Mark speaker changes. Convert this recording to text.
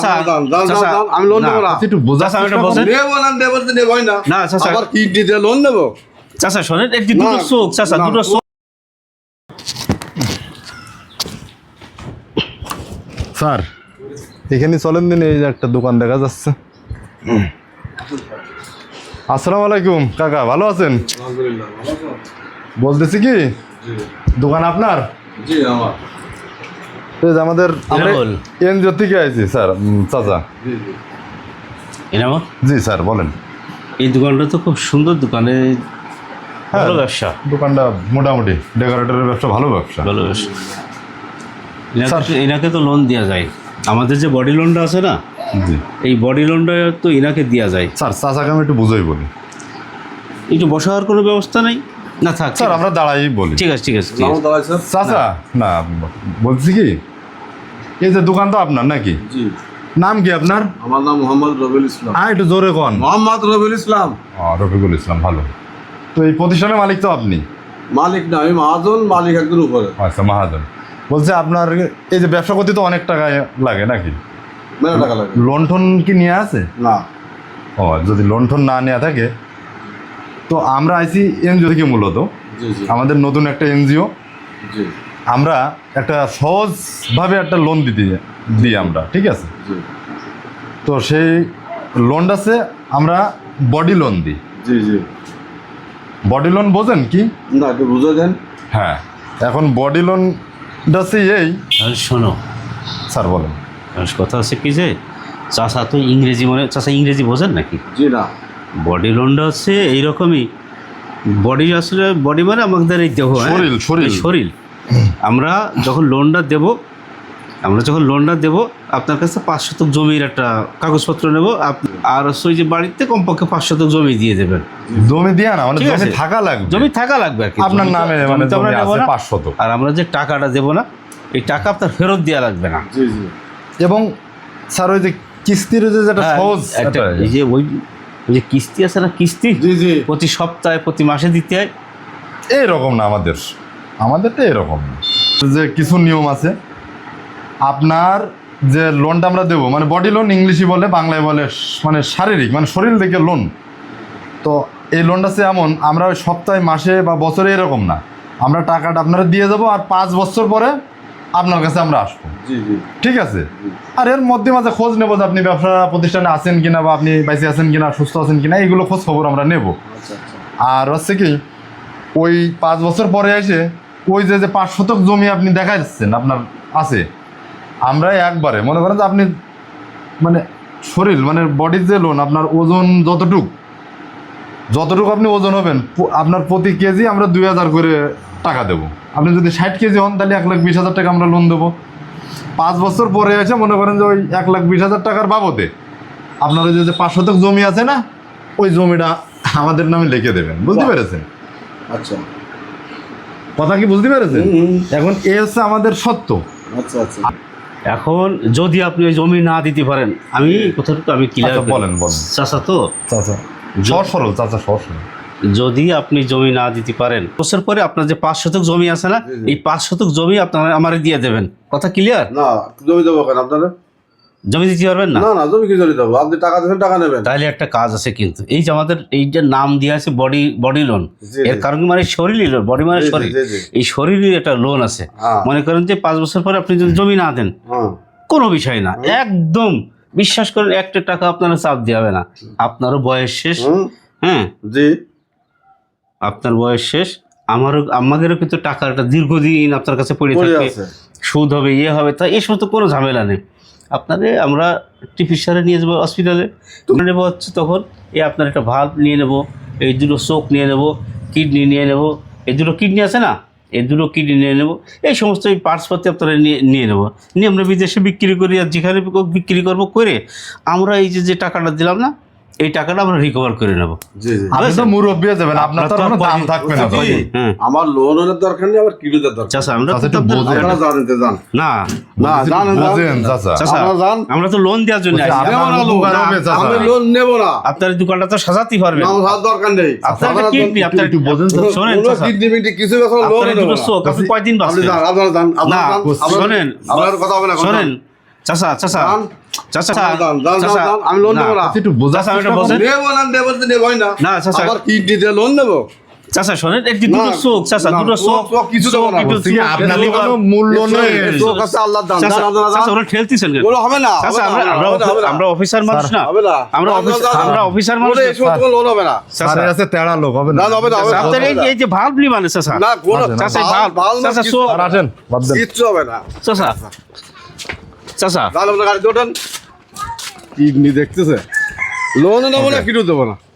Speaker 1: আমি লোন দেবো না,
Speaker 2: একটু বোঝা
Speaker 1: নেবো না, দেবো তো নেবোই না।
Speaker 3: না চাচা,
Speaker 1: আবার কিডনি দিয়ে লোন নেবো?
Speaker 3: চাচা শোনেন, একটি দুটো চোখ চাচা, দুটো চোখ।
Speaker 2: স্যার এখানে চলেন দিন, এই যে একটা দোকান দেখা যাচ্ছে। আসসালামু আলাইকুম কাকা, ভালো আছেন?
Speaker 1: আলহামদুলিল্লাহ, ভালো আছো?
Speaker 2: বলতেছি কি, দোকান আপনার?
Speaker 1: জি আমার।
Speaker 2: এই যে আমাদের
Speaker 3: বল।
Speaker 2: এনজিও থেকে আইছি স্যার। চাচা
Speaker 1: জি জি।
Speaker 3: এনামো,
Speaker 2: জি স্যার বলেন।
Speaker 3: এই দোকানটা তো খুব সুন্দর দোকানে,
Speaker 2: হ্যাঁ,
Speaker 3: ভালো ব্যবসা,
Speaker 2: দোকানটা মোটামুটি ডেকোরেটরের ব্যবসা, ভালো ব্যবসা।
Speaker 3: ভালো ব্যবসা। এনাকে তো লোন দেওয়া যায়, আমাদের যে বডি লোনটা আছে না,
Speaker 2: জি
Speaker 3: এই বডি লোনটা তো এনাকে দেওয়া যায়।
Speaker 2: স্যার, চাচাকে আমি একটু বুঝাই বলি।
Speaker 3: একটু বসার কোনো ব্যবস্থা নেই? না থাক
Speaker 2: স্যার আমরা দাঁড়াই বলি।
Speaker 3: ঠিক আছে ঠিক আছে ঠিক
Speaker 1: নাম
Speaker 3: আছে।
Speaker 1: দাঁড়াই স্যার?
Speaker 2: চাচা না, বলছি কি, এই যে দোকান তো আপনার নাকি?
Speaker 1: জি।
Speaker 2: নাম কি আপনার?
Speaker 1: আমার নাম মোহাম্মদ রবিউল ইসলাম।
Speaker 2: একটু জোরে কন।
Speaker 1: মোহাম্মদ রবিউল ইসলাম।
Speaker 2: রফিকুল ইসলাম, ভালো। তো এই প্রতিষ্ঠানের মালিক তো আপনি?
Speaker 1: মালিক না, আমি মহাজন, মালিক একজন উপরে।
Speaker 2: আচ্ছা, মহাজন। বলছে আপনার এই যে ব্যবসা করতে তো অনেক টাকা লাগে নাকি?
Speaker 1: মেলা টাকা লাগে।
Speaker 2: লোন টোন কি নিয়ে আছে?
Speaker 1: না।
Speaker 2: ও, যদি লোন টোন না নেওয়া থাকে তো আমরা আইসি এনজিও থেকে মূলত।
Speaker 1: জি জি
Speaker 2: আমাদের নতুন একটা এনজিও,
Speaker 1: জি
Speaker 2: আমরা একটা সহজভাবে একটা লোন দিই আমরা, ঠিক আছে?
Speaker 1: জি
Speaker 2: তো সেই লোনটাছে আমরা বডি লোন দিই।
Speaker 1: জি জি।
Speaker 2: বডি লোন বোঝেন কি?
Speaker 1: না, একটু বুঝে দেন।
Speaker 2: হ্যাঁ, এখন বডি লোনটা এই।
Speaker 3: তাহলে শোনো
Speaker 2: স্যার বলেন।
Speaker 3: কথা হচ্ছে কি যে, চাচা তো ইংরেজি চাচা ইংরেজি বোঝেন নাকি?
Speaker 1: জি না।
Speaker 3: বডি লোনটা হচ্ছে এইরকমই, বডি আসলে বডি মানে আমাদের এই দেহ,
Speaker 2: শরীর, শরীর।
Speaker 3: এই শরীর। আমরা যখন লোনটা দেব, আপনার কাছে 5 শতক জমির একটা কাগজপত্র নেব, আর ওই যে বাড়িতে কমপক্ষে 5 শতক জমি দিয়ে দেবেন।
Speaker 2: জমি দিয়া না, মানে
Speaker 3: ঠিক
Speaker 2: জমি
Speaker 3: আছে।
Speaker 2: থাকা লাগবে।
Speaker 3: জমি থাকা লাগবে আর কি,
Speaker 2: আপনার
Speaker 3: জমি তো-
Speaker 2: নামে,
Speaker 3: জমি
Speaker 2: মানে
Speaker 3: তো আমরা
Speaker 2: জমি
Speaker 3: নেবো
Speaker 2: আছে
Speaker 3: না।
Speaker 2: 500।
Speaker 3: আর আমরা যে টাকাটা দেবো না, এই টাকা আপনার ফেরত দেওয়া লাগবে না।
Speaker 1: জি জি।
Speaker 2: এবং স্যার ওই যে কিস্তির যে যেটা
Speaker 3: হ্যাঁ,
Speaker 2: সহজ
Speaker 3: এই যে ওই যে কিস্তি আছে না, কিস্তি
Speaker 1: জি জি।
Speaker 3: প্রতি সপ্তাহে প্রতি মাসে দিতে হয়।
Speaker 2: এইরকম না আমাদেরটা এরকম না। যে কিছু নিয়ম আছে। আপনার যে লোনটা আমরা দেবো, মানে বডি লোন ইংলিশে বলে, বাংলায় বলে মানে শারীরিক, মানে শরীর থেকে লোন। তো এই লোনটা সে এমন, আমরা ওই সপ্তাহে, মাসে বা বছরে এরকম না, আমরা টাকাটা আপনারা দিয়ে যাবো, আর 5 বছর পরে আপনার কাছে আমরা আসবো।
Speaker 1: জি জি।
Speaker 2: ঠিক আছে? আর এর মধ্যে মাঝে খোঁজ নেবো যে আপনি ব্যবসা প্রতিষ্ঠানে আছেন কিনা, বা আপনি বাইসে আছেন কিনা, সুস্থ আছেন কিনা, এইগুলো খোঁজ খবর আমরা নেব।
Speaker 1: আচ্ছা আচ্ছা।
Speaker 2: আর হচ্ছে কি, ওই 5 বছর পরে এসে ওই যে 5 শতক জমি আপনি দেখা যাচ্ছেন আপনার আছে, আমরা একবারে মনে করেন যে আপনি মানে শরীর, মানে বডির যে লোন, আপনার ওজন যতটুকু আপনি ওজন হবেন, আপনার প্রতি কেজি আমরা 2000 করে টাকা দেবো। আপনি যদি 60 কেজি হন তাহলে 1,20,000 টাকা আমরা লোন দেবো। 5 বছর পরে এসে মনে করেন যে ওই 1,20,000 টাকার বাবদে আপনার ওই যে 5 শতক জমি আছে না, ওই জমিটা আমাদের নামে লিখে দেবেন। বুঝতে পেরেছেন
Speaker 1: আচ্ছা।
Speaker 2: কথা কি? বুঝতে পেরেছেন? এখন এ হচ্ছে আমাদের সত্য।
Speaker 1: আচ্ছা আচ্ছা।
Speaker 3: এখন যদি আপনি ওই জমি না দিতে পারেন, আমি কোথাও আমি ক্লিয়ার
Speaker 2: বলেন।
Speaker 3: চাচা তো
Speaker 2: চাচা সহজ সরল, চাচা সহজ সরল।
Speaker 3: যদি আপনি জমি না দিতে পারেন, বছর পরে আপনার যে 5 শতক জমি আছে না, এই 5 শতক জমি আপনারা আমারে দিয়ে দেবেন। কথা ক্লিয়ার?
Speaker 1: না, জমি দেবো কেন আপনারা?
Speaker 3: জমি দিতে পারবেন না?
Speaker 1: না না, জমি কি জমি দেবো? আপনি টাকা দেবেন, টাকা নেবেন।
Speaker 3: তাহলে একটা কাজ আছে, কিন্তু এই যে আমাদের এই যে নাম দিয়ে আছে বডি লোন,
Speaker 1: জি,
Speaker 3: এর
Speaker 1: জি।
Speaker 3: কারণ কি, মানে শরীরই লোন, বডি মানে
Speaker 1: জি, জি,
Speaker 3: শরীর,
Speaker 1: জি, জি।
Speaker 3: এই শরীরের একটা লোন আছে।
Speaker 1: হ্যাঁ।
Speaker 3: মনে করেন যে 5 বছর পরে আপনি যদি জমি না দেন,
Speaker 1: হ্যাঁ।
Speaker 3: কোনো বিষয় না, একদম বিশ্বাস করেন, একটা টাকা আপনারা চাপ দিয়ে হবে না। আপনারও বয়স শেষ, হ্যাঁ
Speaker 1: জি।
Speaker 3: আপনার বয়স শেষ, আমাদেরও কিন্তু টাকাটা দীর্ঘদিন আপনার কাছে পড়ে থাকবে,
Speaker 1: আছে।
Speaker 3: সুদ হবে, ইয়ে হবে, তা এই সমস্ত কোনো ঝামেলা নেই। আপনাদের আমরা টিফিসারে নিয়ে যাবো হসপিটালে, নেবো হচ্ছে তখন এই আপনার একটা ভাল্ব নিয়ে নেবো, এই 2 চোখ নিয়ে নেবো, কিডনি নিয়ে নেবো, এই 2 কিডনি আছে না, এই 2 কিডনি নিয়ে নেবো, এই সমস্ত এই পার্টসপাতি আপনারা নিয়ে নেবো, নিয়ে আমরা বিদেশে বিক্রি করি, আর যেখানে বিক্রি করবো করে আমরা এই যে টাকাটা দিলাম না, এই টাকাটা আমরা রিকভার করে নেবো।
Speaker 1: জি জি।
Speaker 2: আপনি তো মুরব্বী যাবেন, আপনার তো কোনো দাম থাকবে না।
Speaker 1: জি।
Speaker 3: হ্যাঁ
Speaker 1: আমার লোনের দরকার নেই, আমার কিলোদের দরকার।
Speaker 3: চাচা, আমরা
Speaker 2: চাচা, একটু বোঝেন।
Speaker 1: আপনারা জানেন তো, জান
Speaker 3: না
Speaker 1: না, জানেন
Speaker 2: বোঝেন চাচা।
Speaker 3: চাচা,
Speaker 1: আপনারা যান।
Speaker 3: আমরা তো লোন দেওয়ার জন্য
Speaker 2: বলছি,
Speaker 3: আসি।
Speaker 2: আপনার
Speaker 1: নেবো না লোন।
Speaker 2: উপকার হবে, চাচা।
Speaker 1: আমি লোন নেবো না।
Speaker 3: আপনার এই দোকানটা তো সাজাতেই পারবেন,
Speaker 1: আমার হাত দরকার নেই।
Speaker 3: আপনার
Speaker 1: আপনারা
Speaker 3: কিডনি, আপনার
Speaker 2: একটু বোঝেন চাচা।
Speaker 3: শোনেন
Speaker 1: কোনো
Speaker 3: চাচা,
Speaker 1: কিডনি মিডনি কিছু ব্যাপার লোন
Speaker 3: আপনার এই
Speaker 1: নেবো
Speaker 3: 2
Speaker 1: না।
Speaker 3: চোখ আপনি কয়দিন
Speaker 1: আপনি
Speaker 3: বাঁচবেন?
Speaker 1: যান, আপনারা যান,
Speaker 3: না
Speaker 1: আপনারা যান।
Speaker 3: শোনেন,
Speaker 1: আপনার কথা হবে না,
Speaker 3: শোনেন, চাচা চাচা
Speaker 1: দান।
Speaker 3: চাচা
Speaker 1: দান, দান, দান, দান, আমি লোন দেবো না।
Speaker 2: একটু বোঝা
Speaker 3: চাচা এটা বলছেন
Speaker 1: নেবো না, নেবো তো নেবোই না।
Speaker 3: না, চাচা।
Speaker 1: আবার কিডনি দিয়ে লোন নেবো?
Speaker 3: চাচা শোনেন একটি দুটো
Speaker 1: না,
Speaker 3: চোখ চাচা
Speaker 1: না,
Speaker 3: দুটো
Speaker 1: চোখ, চোখ কিছু দেবো না।
Speaker 3: একটু
Speaker 2: বলছি কি,
Speaker 3: চোখ,
Speaker 2: আপনার
Speaker 3: একটু
Speaker 2: তো কোনো
Speaker 3: liver।
Speaker 2: মূল্য নেই।
Speaker 1: চোখ আছে আল্লাহর দান।
Speaker 3: চাচা,
Speaker 1: দান, দান, দান।
Speaker 3: চাচা, ওরা ঠেলতেছেন কেন?
Speaker 1: ওগুলো হবে না,
Speaker 3: চাচা,
Speaker 1: হবে না, হবে না, হবে না।
Speaker 3: আমরা অফিসার মানুষ না
Speaker 1: হবে না।
Speaker 3: আমরা
Speaker 1: দান,
Speaker 3: অফিস-
Speaker 1: দান, দান,
Speaker 3: আমরা
Speaker 1: দান।
Speaker 3: অফিসার মানুষ
Speaker 1: ওরে, এই সমস্ত কোনো লোন হবে না।
Speaker 3: চাচা,
Speaker 2: স্যারের কাছে তেড়া লোক হবে না।
Speaker 1: না, হবে না, হবে না,
Speaker 3: আপনার
Speaker 1: হবে না।
Speaker 3: এই যে ভাল্ব নি মানে চাচা
Speaker 1: না, কোনো
Speaker 2: আছে,
Speaker 3: চাচা,
Speaker 1: ভাল-
Speaker 3: ভাল-
Speaker 1: ভাল না,
Speaker 3: চাচা,
Speaker 1: কিচ্ছু
Speaker 3: চোখ-
Speaker 1: হবে না।
Speaker 2: আর আসেন, বাদ দেন।
Speaker 1: কিচ্ছু হবে না।
Speaker 3: চাচা চাচা
Speaker 1: দান, আপনার গাড়িতে ওঠেন। কিডনি দেখতেছে, লোনও নেবো না, কিডনিও দেবো না।